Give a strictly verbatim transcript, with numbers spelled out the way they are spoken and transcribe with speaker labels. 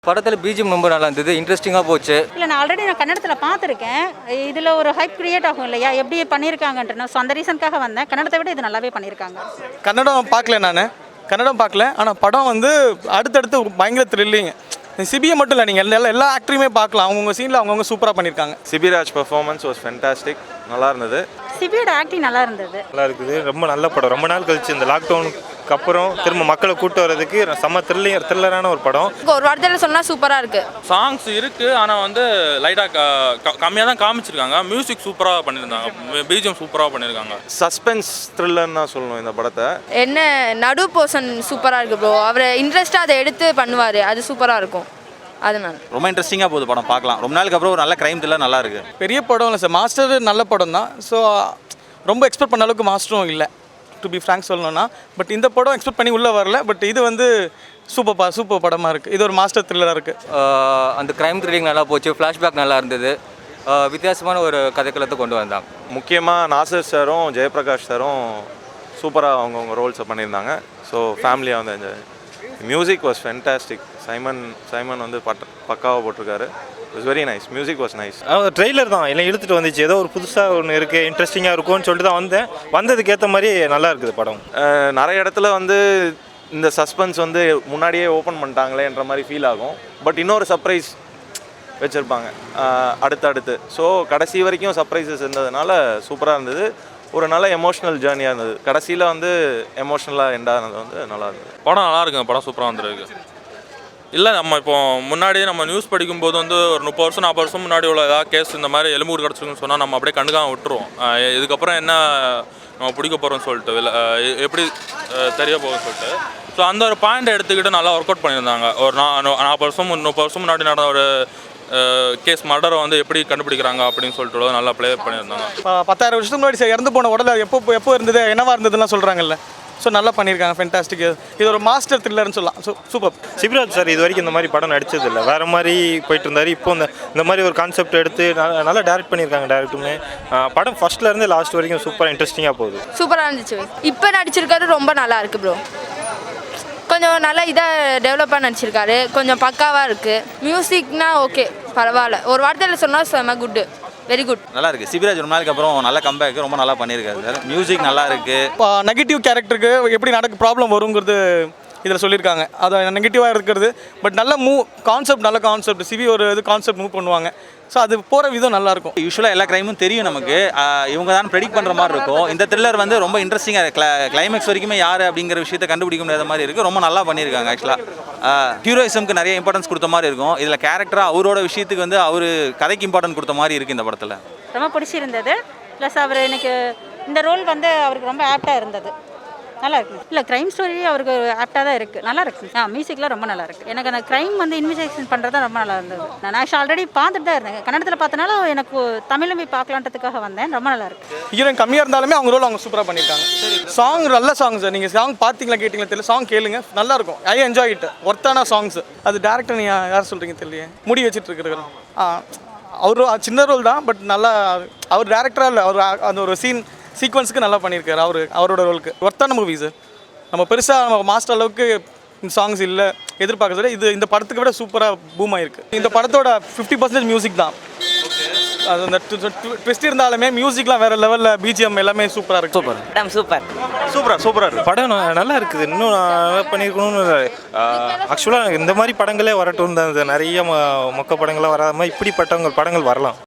Speaker 1: படத்தில் பிஜிஎம் ரொம்ப நல்லா இருந்தது, இன்ட்ரெஸ்டிங்காக போச்சு.
Speaker 2: இல்லை, நான் ஆல்ரெடி நான் கன்னடத்தில் பார்த்துருக்கேன். இதில் ஒரு ஹைப் கிரியேட் ஆகும் இல்லையா, எப்படி பண்ணியிருக்காங்கன்ட்டு. ஸோ அந்த ரீசனுக்காக வந்தேன். கன்னடத்தை விட இது நல்லாவே பண்ணியிருக்காங்க.
Speaker 3: கன்னடம் பார்க்கல, நான் கன்னடம் பார்க்கல. ஆனால் படம் வந்து அடுத்தடுத்து பயங்கர த்ரில்லிங். சிபியை மட்டும் இல்லை, நீங்கள் எல்லா எல்லா ஆக்டரையுமே பார்க்கலாம். அவங்கவுங்க சீனில் அவங்கவுங்க சூப்பராக பண்ணியிருக்காங்க.
Speaker 4: சிபிராஜ் பெர்ஃபார்மன்ஸ் வாஸ் ஃபென்டாஸ்டிக், நல்லா இருந்தது.
Speaker 2: சிபியோட ஆக்டிங் நல்லா இருந்தது,
Speaker 5: நல்லா இருக்குது. ரொம்ப நல்ல படம். ரொம்ப நாள் கழிச்சு இந்த லாக்டவுனுக்கு அப்புறம் திரும்ப மக்களை கூட்டு வர்றதுக்கு செம்ம த்ரில்லிங் த்ரில்லரான ஒரு படம்.
Speaker 6: ஒரு வார்த்தையில் சொன்னால் சூப்பராக இருக்குது.
Speaker 7: சாங்ஸ் இருக்குது, ஆனால் வந்து லைட்டாக கம்மியாக தான் காமிச்சிருக்காங்க. மியூசிக் சூப்பராக பண்ணியிருந்தாங்க, பிஜிஎம் சூப்பராக பண்ணியிருக்காங்க.
Speaker 4: சஸ்பென்ஸ் த்ரில்லர்னு தான் சொல்லணும் இந்த படத்தை.
Speaker 6: என்ன நடு போர்ஷன் சூப்பராக இருக்குது ப்ரோ. அவர் இன்ட்ரெஸ்ட்டாக அதை எடுத்து பண்ணுவார், அது சூப்பராக இருக்கும். அதனால
Speaker 8: ரொம்ப இன்ட்ரெஸ்டிங்காக போகுது படம், பார்க்கலாம். ரொம்ப நாளுக்கு அப்புறம் ஒரு நல்ல க்ரைம் த்ரில்லர் நல்லா இருக்குது.
Speaker 3: பெரிய படம் இல்லை சார், மாஸ்டர் நல்ல படம் தான். ஸோ ரொம்ப எக்ஸ்பெக்ட் பண்ண அளவுக்கு மாஸ்டரும் இல்லை, டு பி ஃப்ராங்க் சொல்லணும்னா. பட் இந்த படம் எக்ஸ்பெக்ட் பண்ணி உள்ளே வரல. பட் இது வந்து சூப்பர் பா சூப்பர் படமாக இருக்குது. இது ஒரு மாஸ்டர் த்ரில்லராக இருக்குது.
Speaker 1: அந்த க்ரைம் த்ரில்லிங் நல்லா போச்சு, ஃப்ளாஷ்பேக் நல்லா இருந்தது. வித்தியாசமான ஒரு கதைக்களத்தை கொண்டு வந்தாங்க.
Speaker 4: முக்கியமாக நாசர் சாரும் ஜெயபிரகாஷ் சாரும் சூப்பராக அவங்கவுங்க ரோல்ஸை பண்ணியிருந்தாங்க. ஸோ ஃபேமிலியாக வந்து enjoy. Music was fantastic. Simon Simon வந்து பட் பக்காவாக போட்டிருக்காரு. It's very nice. Music was nice.
Speaker 5: Trailer தான் எல்லாம் இழுத்துட்டு வந்துச்சு. ஏதோ ஒரு புதுசாக ஒன்று இருக்குது, இன்ட்ரெஸ்டிங்காக இருக்கும்னு சொல்லிட்டு தான் வந்தேன். வந்ததுக்கு ஏற்ற மாதிரி நல்லா இருக்குது படம்.
Speaker 4: நிறைய இடத்துல வந்து இந்த சஸ்பென்ஸ் வந்து முன்னாடியே ஓப்பன் பண்ணிட்டாங்களேன்ற மாதிரி ஃபீல் ஆகும். பட் இன்னொரு சர்ப்ரைஸ் வச்சுருப்பாங்க அடுத்தடுத்து. ஸோ கடைசி வரைக்கும் சர்ப்ரைசஸ் இருந்ததுனால சூப்பராக இருந்தது. ஒரு நல்ல எமோஷ்னல் ஜேர்னியாக இருந்தது. கடைசியில் வந்து எமோஷ்னலாக எண்டானது வந்து நல்லா இருந்தது.
Speaker 7: படம் நல்லா இருக்குங்க, படம் சூப்பராக வந்துருக்கு. இல்லை, நம்ம இப்போ முன்னாடியே நம்ம நியூஸ் படிக்கும்போது வந்து ஒரு முப்பது வருஷம் நாற்பது வருஷம் முன்னாடி உள்ள ஏதாவது கேஸ் இந்த மாதிரி எலும்பூர் கிடச்சிருக்குன்னு சொன்னால் நம்ம அப்படியே கண்டுக்காம விட்டுருவோம். இதுக்கப்புறம் என்ன நம்ம பிடிக்க போகிறோம்னு சொல்லிட்டு இல்லை எப்படி தெரிய போகும்னு சொல்லிட்டு. ஸோ அந்த ஒரு பாயிண்ட்டை எடுத்துக்கிட்டு நல்லா ஒர்க் அவுட் பண்ணியிருந்தாங்க. ஒரு நா நாற்பது வருஷம் முப்பது வருஷம் முன்னாடி நடந்த ஒரு கேஸ் மர்டரை வந்து எப்படி கண்டுபிடிக்கிறாங்க அப்படின்னு சொல்லிட்டு நல்லா ப்ளே பண்ணியிருந்தாங்க.
Speaker 3: பத்தாயிரம் வருஷத்துக்கு முன்னாடி சார் இறந்து போன உடல் எப்போ எப்போ இருந்தது, என்னவா இருந்ததுலாம் சொல்கிறாங்கல்ல. ஸோ நல்லா பண்ணியிருக்காங்க, ஃபென்டாஸ்டிக். இது ஒரு மாஸ்டர் த்ரில்லர்னு சொல்லலாம். So super.
Speaker 5: சிபிராஜ் சார் இது வரைக்கும் இந்த மாதிரி படம் நடிச்சது இல்லை, வேறு மாதிரி போயிட்டு இருந்தார். இப்போ இந்த இந்த மாதிரி ஒரு கான்செப்ட் எடுத்து நல்லா டேரக்ட் பண்ணியிருக்காங்க. டேரக்டுமே படம் ஃபர்ஸ்ட்லேருந்து லாஸ்ட் வரைக்கும் சூப்பராக இன்ட்ரெஸ்டிங்காக போகுது.
Speaker 6: சூப்பராக இருந்துச்சு. இப்போ நடிச்சிருக்காரு, ரொம்ப நல்லா இருக்குது ப்ரோ. கொஞ்சம் நல்லா இதாக டெவலப்பாக நடிச்சிருக்காரு, கொஞ்சம் பக்காவாக இருக்குது. மியூசிக்னா ஓகே, பரவாயில்ல. ஒரு வார்த்தையில் சொன்னால் செம்ம குட்டு, வெரி குட்.
Speaker 8: நல்லா இருக்குது. சிபிராஜ் ரொம்ப நாளுக்கு அப்புறம் நல்ல கம்பேக், ரொம்ப நல்லா பண்ணியிருக்காரு சார். மியூசிக் நல்லா இருக்குது.
Speaker 3: இப்போ நெகட்டிவ் கேரக்டருக்கு எப்படி நடக்க ப்ராப்ளம் வருங்கிறது இதில் சொல்லியிருக்காங்க. அது நெகட்டிவாக இருக்கிறது. பட் நல்ல மூவ் கான்செப்ட், நல்ல கான்செப்ட். சிவி ஒரு இது கான்செப்ட் மூவ் பண்ணுவாங்க. ஸோ அது போகிற விதம் நல்லாயிருக்கும்.
Speaker 8: யூஸ்வலாக எல்லா க்ரைமும் தெரியும் நமக்கு, இவங்க தான் ப்ரெடிக்ட் பண்ணுற மாதிரி இருக்கும். இந்த த்ரில்லர் வந்து ரொம்ப இன்ட்ரெஸ்டிங்காக கிளா கிளைமேக்ஸ் வரைக்குமே யார் அப்படிங்கிற விஷயத்தை கண்டுபிடிக்க முடியாத மாதிரி இருக்குது. ரொம்ப நல்லா பண்ணியிருக்காங்க. ஆக்சுவலாக ஹீரோயிசம்க்கு நிறைய இம்பார்ட்டன்ஸ் கொடுத்த மாதிரி இருக்கும். இதில் கேரக்டராக அவரோட விஷயத்துக்கு வந்து அவர் கதைக்கு இம்பார்ட்டன்ஸ் கொடுத்த மாதிரி இருக்குது இந்த படத்தில்.
Speaker 2: ரொம்ப பிடிச்சிருந்தது. ப்ளஸ் அவர் எனக்கு இந்த ரோல் வந்து அவருக்கு ரொம்ப ஆப்டாக இருந்தது. நல்லா இருக்குது. இல்லை, க்ரைம் ஸ்டோரி அவருக்கு ஆப்டாக தான் இருக்குது, நல்லா இருக்குது. ஆ மியூசிக்லாம் ரொம்ப நல்லா இருக்குது. எனக்கு அந்த க்ரைம் வந்து இன்வெஸ்டிகேஷன் பண்ணுறது தான் ரொம்ப நல்லா இருந்தது. நான் ஆக்சுவலி ஆல்ரெடி பார்த்துட்டு தான் இருந்தேன். கன்னடத்தில் பார்த்தனால எனக்கு தமிழில் போய் பார்க்கலான்றதுக்காக வந்தேன். ரொம்ப நல்லா இருக்குது.
Speaker 3: ஹீரோயின் கம்மியாக இருந்தாலுமே அவங்க ரோல் அவங்க சூப்பராக பண்ணியிருக்காங்க. சாங் நல்ல சாங் சார். நீங்கள் சாங் பார்த்தீங்களா கேட்டிங்களா தெரியல, சாங் கேளுங்க, நல்லாயிருக்கும். I enjoy it. ஒர்த்தான சாங்ஸ். அது டேரக்டர் நீங்கள் யார் சொல்கிறீங்க தெரியலையே, முடி வச்சுட்டு இருக்கிற அவர் சின்ன ரோல் தான். பட் நல்லா அவர் டேரக்டராக இல்லை, அவர் அந்த ஒரு சீன் சீக்வன்ஸுக்கு நல்லா பண்ணியிருக்காரு. அவர் அவரோட ரோலுக்கு ஒர்த்தான மூவி சார். நம்ம பெருசாக நம்ம மாஸ்டர் அளவுக்கு இந்த சாங்ஸ் இல்லை எதிர்பார்க்க சார். இது இந்த படத்துக்கு விட சூப்பராக பூம் ஆயிருக்கு. இந்த படத்தோட ஃபிஃப்டி பர்சன்டேஜ் மியூசிக் தான். அது அந்த ட்விஸ்ட் இருந்தாலுமே மியூசிக்லாம் வேறு லெவலில், பிஜிஎம் எல்லாமே சூப்பராக இருக்குது.
Speaker 1: சூப்பர்
Speaker 3: சூப்பர்
Speaker 5: சூப்பராக சூப்பராக இருக்குது படம். நல்லா இருக்குது, இன்னும் நல்லா பண்ணியிருக்கணும்னு. ஆக்சுவலாக இந்த மாதிரி படங்களே வரட்டும் தான். நிறைய மொக்க படங்களாக வராத மாதிரி இப்படிப்பட்டவங்க படங்கள் வரலாம்.